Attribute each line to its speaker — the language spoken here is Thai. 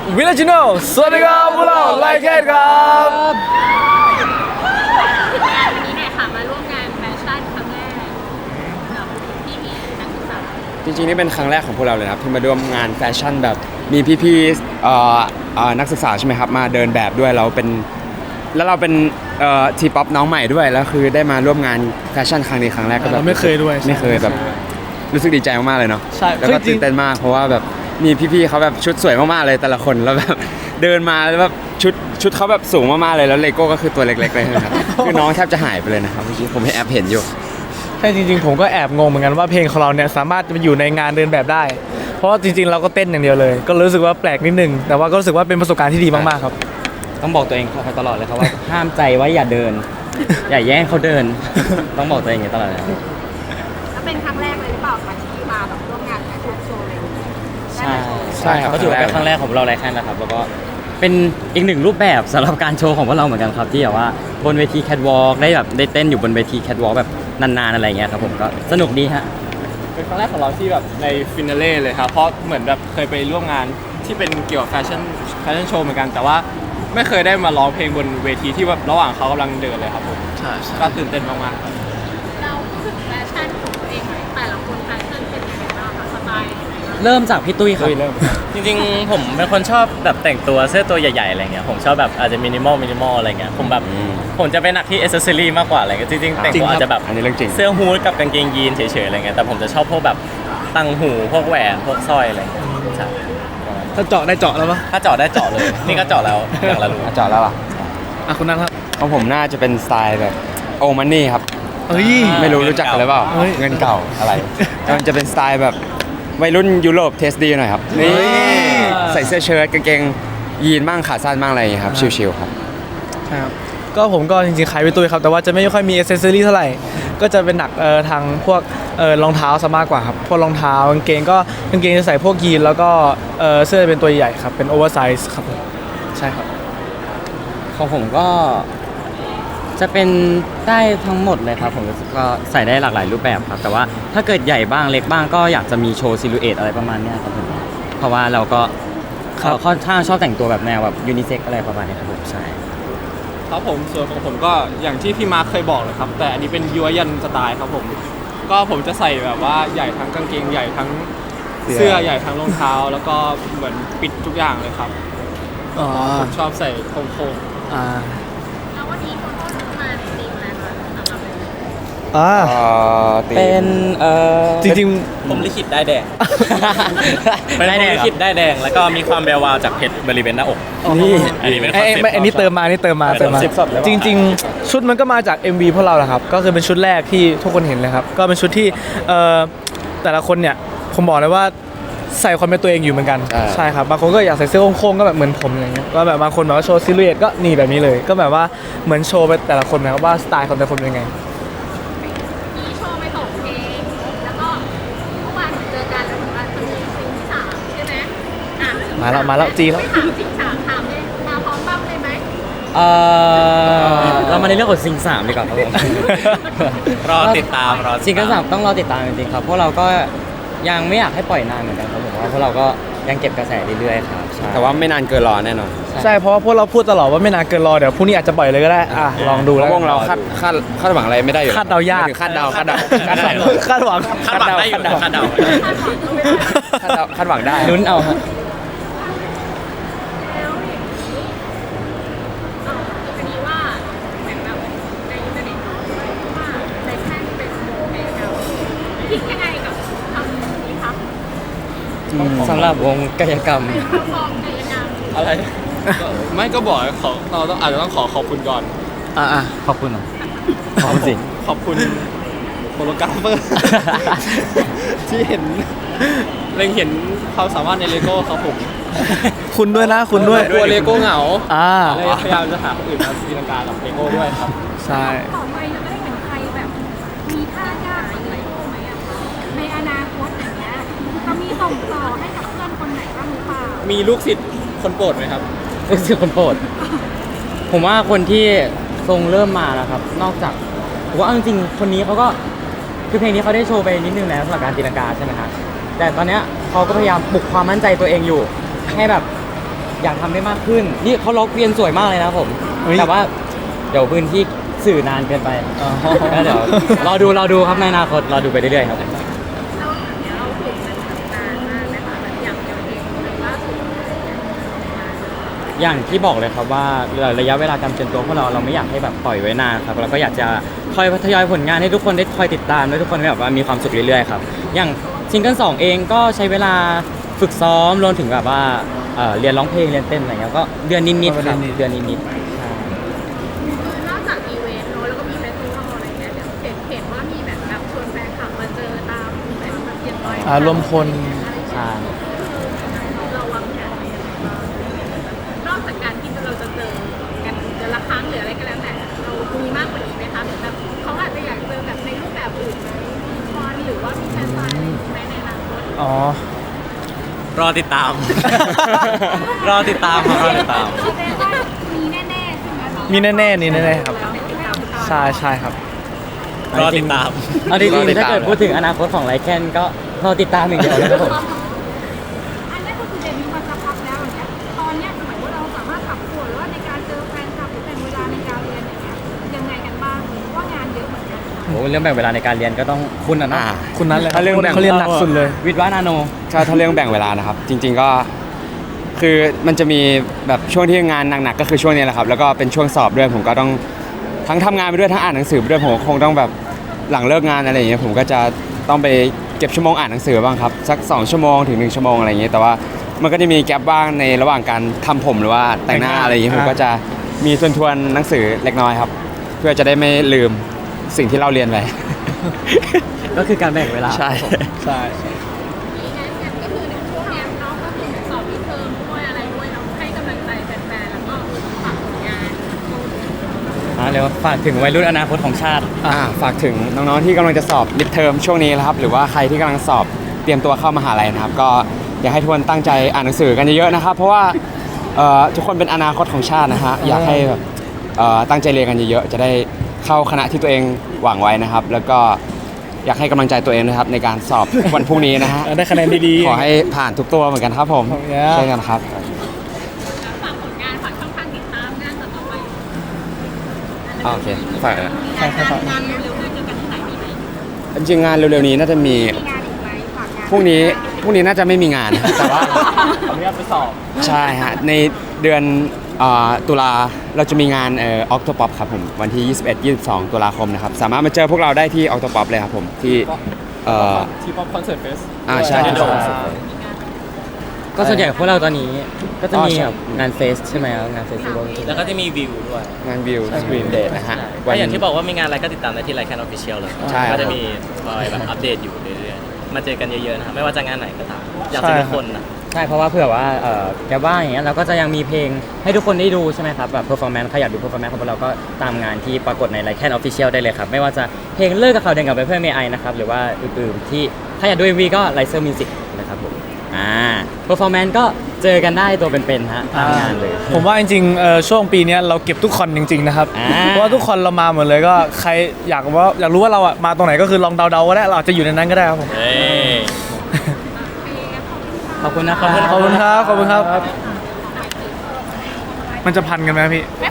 Speaker 1: วิลเลจิโนสวัสดีครับพวกเราไลค์แคทครับ
Speaker 2: วันนี้เนี่ยค่ะมาร่วมงานแฟชั่นครั้งแรกกับพี่นักศึกษา
Speaker 1: จริงๆนี่เป็นครั้งแรกของพวกเราเลยครับที่มาร่วมงานแฟชั่นแบบมีพี่ๆนักศึกษาใช่ไหมครับมาเดินแบบด้วยเราเป็นทีป๊อปน้องใหม่ด้วยแล้วคือได้มาร่วมงานแฟชั่นครั้งนี้ครั้งแรกก็แบบ
Speaker 3: ไม่เคยด้วย
Speaker 1: ไม่เคยแบบรู้สึกดีใจมากๆเลยเนาะ
Speaker 3: ใช่
Speaker 1: แล้วก็ตื่นเต้นมากเพราะว่าแบบมีพี่ๆเขาแบบชุดสวยมากๆเลยแต่ละคนแล้วแบบเดินมาแล้วแบบชุดเขาแบบสูงมากๆเลยแล้วเลโก้ก็คือตัวเล็กๆเลยครับ คือน้องแทบจะหายไปเลยนะครับเมื่อกี้ผมให้แอปเห็นอยู่
Speaker 3: ใช่จริงๆผมก็แอบงงเหมือนกันว่าเพลงของเราเนี่ยสามารถจะมาอยู่ในงานเดินแบบได้เพราะว่าจริงๆเราก็เต้นอย่างเดียวเลยก็รู้สึกว่าแปลกนิดนึงแต่ว่าก็รู้สึกว่าเป็นประสบการณ์ที่ดีมากๆครับ
Speaker 4: ต้องบอกตัวเองตลอดเลยครับว่าห้ามใจไว้อย่าเดิน อย่าแย่งเขาเดิน ต้องบอกตัวเองอย่างนี้ตลอดเลยครับ
Speaker 2: แล้วเป็นครั้งแรกเลยหรือเปล่าคะที่มาแบบร่วมงานแฟชั่นโชว์อะไรอย่างเงี้ย
Speaker 4: ใช่
Speaker 1: ใช่ครับ
Speaker 4: ก็ถือว่าเป็นครั้งแรกของพวกเราไลฟ์แคนนะครับแล้วก็เป็นอีกหนึ่งรูปแบบสำหรับการโชว์ของพวกเราเหมือนกันครับที่แบบว่าบนเวทีแคทวอล์กได้เต้นอยู่บนเวทีแคทวอล์กแบบนานๆอะไรเงี้ยครับผมก็สนุกดีฮะ
Speaker 5: เป็นครั้งแรกของเราที่แบบในฟินาเล่เลยครับเพราะเหมือนแบบเคยไปร่วมงานที่เป็นเกี่ยวกับแฟชั่นโชว์เหมือนกันแต่ว่าไม่เคยได้มาร้องเพลงบนเวทีที่แบบระหว่างเขากำลังเดินเลยครับผม
Speaker 3: ใช่
Speaker 5: ก็ตื่นเต้นมากๆครับ
Speaker 2: เราพูดถึงแฟชั่นของตัวเองหน่อยแต่ละคนแฟชั่นเป็นยังไงบ้างคะสไตล์ยังไงบ้าง
Speaker 4: เริ่มจากพี่ตุ้ยครับ
Speaker 6: จริงๆผมเป็นคนชอบแบบแต่งตัวเสื้อตัวใหญ่ๆอะไรเงี้ยผมชอบแบบอาจจะมินิมอลอะไรเงี้ยผมจะไปหนักที่อ c เซสซอรี่มากกว่าอะไรเงี้ยจริงๆแต่งตัวอาจจะแบบ
Speaker 1: อันนี้เรื่องจริง
Speaker 6: เสื้อฮู้ดกับกางเกงยีนเฉยๆอะไรเงี้ยแต่ผมจะชอบพวกแบบตังหูพวกแหวนพวกสร้อยอะไรเงี้ยใช่
Speaker 3: ถ้าเจาะได้เจาะแล้วปะ
Speaker 6: ถ้าเจาะได้เจาะเลย นี่ก็เจาะแล้วอย่างละรู
Speaker 1: จอดแล้วอ่ะ
Speaker 3: คุณนั่นครับ
Speaker 1: ของผมน่าจะเป็นสไตล์แบบโอมันนี่ครับ
Speaker 3: เฮ้ย
Speaker 1: ไม่รู้จักกันหรือเปล่า
Speaker 3: เฮ้ย
Speaker 1: เงินเก่าอะไรมันจะเป็นสไตล์แบบวัยรุ่นยุโรปเทสดีหน่อยครับนี่ใส่เสื้อเชิ้ตกางเกงยีนบ้างขาสั้นบ้างอะไรอย่างเงี้ยครับชิลๆครับ
Speaker 3: ใช่ครับก็ผมก็จริงๆคล้ายพี่ตุ้ยครับแต่ว่าจะไม่ค่อยมีอ c เซสซอรี่เท่าไหร่ก็จะเป็นหนักทางพวกรองเท้าซะมากกว่าครับพวกรองเท้ากางเกงจะใส่พวกยีนแล้วก็เสื้อเป็นตัวใหญ่ครับเป็นโอเวอร์ไซส์ครับผมใช่ครับ
Speaker 4: ของผมก็จะเป็นได้ทั้งหมดเลยครับผมรู้สึกก็ใส่ได้หลากหลายรูปแบบครับแต่ว่าถ้าเกิดใหญ่บ้างเล็กบ้างก็อยากจะมีโชว์ซิลูเอตอะไรประมาณเนี้ยครับผมเพราะว่าเราก็ค่อนข้างชอบแต่งตัวแบบแนวแบบยูนิเซ็กอะไรประมาณนี้ครับผมใช่
Speaker 5: ครับผมส่วนของผมก็อย่างที่พี่มาร์คเคยบอกเลยครับแต่อันนี้เป็นยัวยันสไตล์ครับผมก็ผมจะใส่แบบว่าใหญ่ทั้งกางเกงใหญ่ทั้งเสื้อใหญ่ทั้งรองเท้าแล้วก็เหมือนปิดทุกอย่างเลยครับผมชอบใส่โค้ง
Speaker 2: แล้ววันนี้คนก็มาตีมอะไรคะสำหรับ
Speaker 4: เป็น
Speaker 3: จริง
Speaker 6: ผมลิขิตได้แดง
Speaker 4: ไม่ได้แดง
Speaker 6: ลิขิตได้แดงแล้วก็มีความแวววาวจากเพชรบริเวณหน้าอก
Speaker 3: นี่
Speaker 6: อันนี้เป็นค
Speaker 3: ไอ้
Speaker 6: อนเซ็ปต์
Speaker 3: ไม่อันนี้เติมมาจริงๆชุดมันก็มาจาก MV พวกเราแหละครับก็คือเป็นชุดแรกที่ทุกคนเห็นเลยครับก็เป็นชุดที่แต่ละคนเนี่ยผมบอกเลยว่าใส่ความเป็นตัวเองอยู่เหมือนกันใช่ครับบางคนก็อยากใส่เสื้อโค้งๆก็แบบเหมือนผมอย่างเงี้ยก็แบบบางคนแบบว่าโชว์ซิลูเอตก็นี่แบบนี้เลยก็แบบว่าเหมือนโชว์ไปแต่ละคนนะครับว่าสไตล์ของแต่ละคนเป็นยังไง
Speaker 2: มีโชว์ไปส่งเพลงแล้วก็เมื่อวานเจอกันแล้วเหมือนว่าจะมีซิงที่สามใช่ไหมอ่ะ
Speaker 3: มาแล้วจีแล้ว
Speaker 2: ไม่ถามซิงสามถามเลยมาพร้อมบ้างเลยไหม
Speaker 4: เรามาในเรื่องของซิงสามดีกว่าครับผม
Speaker 6: รอติดตาม
Speaker 4: ซิงเกิลสามต้องรอติดตามจริงๆครับพวกเราก็ยังไม่อยากให้ปล่อยนานเหมือนกันครับผมเพราะพวกเราก็ยังเก็บกระแสเรื่อยๆครับใช่
Speaker 1: แต่ว่าไม่นานเกินรอแน่นอน
Speaker 3: ใช่เพราะว่าพวกเราพูดตลอดว่าไม่นานเกินรอเดี๋ยวพรุ่งนี้อาจจะปล่อยเลยก็ได้ลองดูแล้ว
Speaker 1: พวกเราคาดหวังอะไรไม่ได้อยู่
Speaker 3: คาดเดายาก
Speaker 1: คาดเดาคาดหวัง
Speaker 3: คาดหวัง
Speaker 6: คาดหวังได้อยู่นะคาดเดา
Speaker 1: คาดหวังได้
Speaker 4: ลุ้นเอาฮะ
Speaker 2: แล้วอย่างนี้พอดีว่าเหมือนแบบในอินเทอร์เน็ตเนาะว่าแฟชั่นเป็นโมเดลคิดยังไงกับคำนี้ครับ
Speaker 4: สำหรับวงกายกรรม
Speaker 2: ฟองกายกรรม
Speaker 5: ๆอะไรไม่ก็บอกเราต้องอาจจะต้องขอบคุณก่อน
Speaker 4: ขอบคุณนะขอบคุณสิ
Speaker 5: ขอบคุณโฮโลกราฟเฟอร์ ที่เห็นความสามารถในเลโก้ครับผม
Speaker 3: คุณด้วยนะคุณด้วย
Speaker 5: กลัวเลโก้เหงา เลย
Speaker 3: อ่า
Speaker 5: พยายามจะหาคนอื่นมาตีลังกากับเลโก้ด้วยครับ
Speaker 3: ใช่
Speaker 2: ต่อไปจะได้เห็นใครแบบมีท่ายากอะไรไหมอะคะในอนาคตอย่างเงี้ยจะมีส่งต่อให้กับเพื่อนคนไหนบ้างหรือเปล่า
Speaker 5: มีลูกศิษย์คนโปรดไหมครับ
Speaker 4: รู้สึกคนโปรดผมว่าคนที่ทรงเริ่มมานะครับนอกจากผมว่าเอาจริงๆคนนี้เขาก็คือเพลงนี้เขาได้โชว์ไปนิดนึงแล้วสำหรับการตีลังกาใช่ไหมครับแต่ตอนเนี้ยเขาก็พยายามปลุกความมั่นใจตัวเองอยู่ให้แบบอยากทำได้มากขึ้นนี่เขาล็อกเวียนสวยมากเลยนะครับผม
Speaker 3: เฮ้ย
Speaker 4: แต่ว่าเดี๋ยวพื้นที่สื่อนานเกินไป
Speaker 3: อ๋อ
Speaker 4: ก็เดี๋ยวรอดูครับในอนาคตรอดูไปเรื่อยๆครับ
Speaker 2: เราเนี่ยเราฝึกมันนานมากนะคะแบบอย่างเดียวเองหรือว่าสุด
Speaker 4: อย่างที่บอกเลยครับว่าระยะเวลาการเตรียมตัวพวกเราไม่อยากให้แบบปล่อยไว้นานครับเราก็อยากจะคอยทยอยผลงานให้ทุกคนได้คอยติดตามและทุกคนแบบว่ามีความสุขเรื่อยๆครับอย่างซิงเกิล2เองก็ใช้เวลาฝึกซ้อมรวมถึงแบบว่าเรียนร้องเพลงเรียนเต้นอะไรเงี้ยก็เดือนนิดๆครับเดือนนิดๆใช่
Speaker 2: คือนอกจากอีเวนต์เนอะแล้วก็มีเฟสติวัลอะไรเงี้ยเดี๋ยวเห็นว่ามีแบบชวนแฟนคลับมาเจอตามแบบเย็นลอย
Speaker 3: รวมพล
Speaker 4: ใช่
Speaker 2: เราวางแผนไว้ยังไงบ้างนอกจากการที่เราจะเจอกันเดือนละครั้งหรืออะไรก็แล้วแต่เรามีมากกว่านี้ไหมคะหรือแบบเขาอาจจะอยากเจอแบบในรูปแบบอื่นไหมมีคอนหรือว่ามีแฟนไซน์อะไรอย่างงี้ไหมในอนาคต
Speaker 3: อ๋อ
Speaker 6: รอติดตาม รอติดตามครับรอติดตาม
Speaker 2: แสดงว่ามีแน่ๆใช่ไหมคะ
Speaker 3: มีแน่ๆนี่แน่ๆครับ
Speaker 2: แล้วติดตาม
Speaker 3: ใช่ครับ
Speaker 6: รอติดตาม
Speaker 4: เอาจริงๆถ้าเกิดพูดถึงอนาคตของไลแคนก็รอติดตามอย่างเดียวนะครับผม
Speaker 2: อันนี้ก็คือเดบิวต์มาสักพักแล้วอย่างเงี้ยตอนเนี้ยหมายว่าเราสามารถปรับตัวหรือว่าในการเจอแฟนคลับหรือแบ่งเวลาในการเรียนอย่างเงี้ยยังไงกันบ้างเพราะว่างานเยอะเหมือนกันค่ะ
Speaker 4: โอ้เรื่องแบ่งเวลาในการเรียนก็ต้องคุณนะ
Speaker 3: คุณนั้นเลยครับ
Speaker 1: ถ้าเรื่องแบ่ง
Speaker 3: เขาเรียนหนักสุดเลย
Speaker 4: วิทย์วานาโน
Speaker 1: ถ้าเรื่องแบ่งเวลานะครับ จริง ๆก็คือมันจะมีแบบช่วงที่งานหนักๆก็คือช่วงนี้แหละครับแล้วก็เป็นช่วงสอบด้วยผมก็ต้องทั้งทำงานไปด้วยทั้งอ่านหนังสือไปด้วยผมก็คงต้องแบบหลังเลิกงานอะไรอย่างเงี้ยผมก็จะต้องไปเก็บชั่วโมงอ่านหนังสือบ้างครับสัก2 ชั่วโมงถึง1 ชั่วโมงอะไรอย่างเงี้ยแต่ว่ามันก็จะมีแกลบบ้างในระหว่างการทำผมหรือว่าแต่งหน้าอะไรอย่างเงี้ยผมก็จะมีทวนๆหนังสือเล็กน้อยครับเพื่อจะได้ไม่ลืมสิ่งที่เราเรียนไป
Speaker 4: ก็คือการแบ่งเวลา
Speaker 1: ใช่
Speaker 3: ใช่
Speaker 2: มีงานก็คือในช่วงเนี้ยน้องก็คือเหมือนสอบมิดเทอมด้วยอะไรด้วยเราให้กำลังใจแฟนๆแล้วก็ฝากผลงาน
Speaker 4: เรียกว่าฝากถึงวัยรุ่นอนาคตของชาติ
Speaker 1: ฝากถึงน้องๆที่กำลังจะสอบมิดเทอมช่วงนี้นะครับหรือว่าใครที่กำลังสอบเตรียมตัวเข้ามหาลัยนะครับก็อยากให้ทุกคนตั้งใจอ่านหนังสือกันเยอะๆนะครับเพราะว่าทุกคนเป็นอนาคตของชาตินะฮะอยากให้แบบตั้งใจเรียนกันเยอะๆจะได้เข้าคณะที่ตัวเองหวังไว้นะครับ แล้วก็อยากให้กำลังใจตัวเองนะครับในการสอบ วันพรุ่งนี้นะฮะ
Speaker 3: ได้คะแนนดีๆ
Speaker 1: ขอให้ผ่านทุกตัวเหมือนกันครับผม
Speaker 3: ขอบคุณครับ
Speaker 1: ใช่กันครับ
Speaker 2: ฝากผลงานฝากช่องทางติดตามงานต่อไป
Speaker 1: โอเคฝากนะ
Speaker 3: ใช่ครับ
Speaker 2: งานเร็วๆนี้เจอกันที่ไหนมีไหม
Speaker 1: จริงๆงานเร็วๆนี้น่าจะมี
Speaker 2: มีงานอีกไหมฝากงาน
Speaker 1: พรุ่งนี้น่าจะไม่มีงาน แต่ว่า
Speaker 5: ขออนุญาตไปสอบ
Speaker 1: ใช่ฮะในเดือนตุลาเราจะมีงานOctopop ครับผมวันที่ 21-22 ตุลาคมนะครับสามารถมาเจอพวกเราได้ที่ Octopop เลยครับผมที่
Speaker 5: ทีป๊อปคอนเสิร์ตเฟส
Speaker 1: ใช่
Speaker 4: ก็ส่วนใหญ่พวกเราตอนนี้ก็จะมีแบบงานเฟสใช่ไหมครับงานเฟสติวัล
Speaker 6: แล้วก็จะมีวิวด้วย
Speaker 1: งานวิวสกรีนเดทนะฮะ
Speaker 6: ก็อย่างที่บอกว่ามีงานอะไรก็ติดตามได้ที่ไลค์แคนออฟฟิเชียลเลย
Speaker 1: ใช่ครับ
Speaker 6: ก็จะมีคอยแบบอัปเดตอยู่เรื่อยๆมาเจอกันเยอะๆนะครับไม่ว่าจะงานไหนก็ตามอยากเจอทุกคนนะ
Speaker 4: ใช่เพราะว่าเผื่อว่าแกว่างอย่างเงี้ยเราก็จะยังมีเพลงให้ทุกคนได้ดูใช่ไหมครับแบบเพอร์ฟอร์แมนซ์ใครอยากดูเพอร์ฟอร์แมนซ์ของพวกเราก็ตามงานที่ปรากฏในไลค์แคนออฟฟิเชียลได้เลยครับไม่ว่าจะเพลงเลิกกับเขาเดินกับไปเพื่อนเมย์ไอนะครับหรือว่าอื่นๆที่ถ้าอยากดู MV ก็ไลเซอร์มิวสิกนะครับผมเพอร์ฟอร์แมนซ์ก็เจอกันได้ตัวเป็นๆฮะตามงานเลย
Speaker 3: ผมว่าจริงๆช่วงปีเนี้ยเราเก็บทุกคอนจริงๆนะครับ
Speaker 4: อ่า
Speaker 3: เพราะว่าทุกคอนเรามาหมดเลยก็ใครอยากรู้ว่าเราอะมาตรงไหนก็คือลองเดาๆก็ได้เราอาจจะอยู่ในนั้นก็ได้ครับผม
Speaker 6: เอ้ย
Speaker 4: ขอบคุณนะครับ
Speaker 3: ขอบคุณครับ มันจะพันกันไหมพี่
Speaker 2: ไม่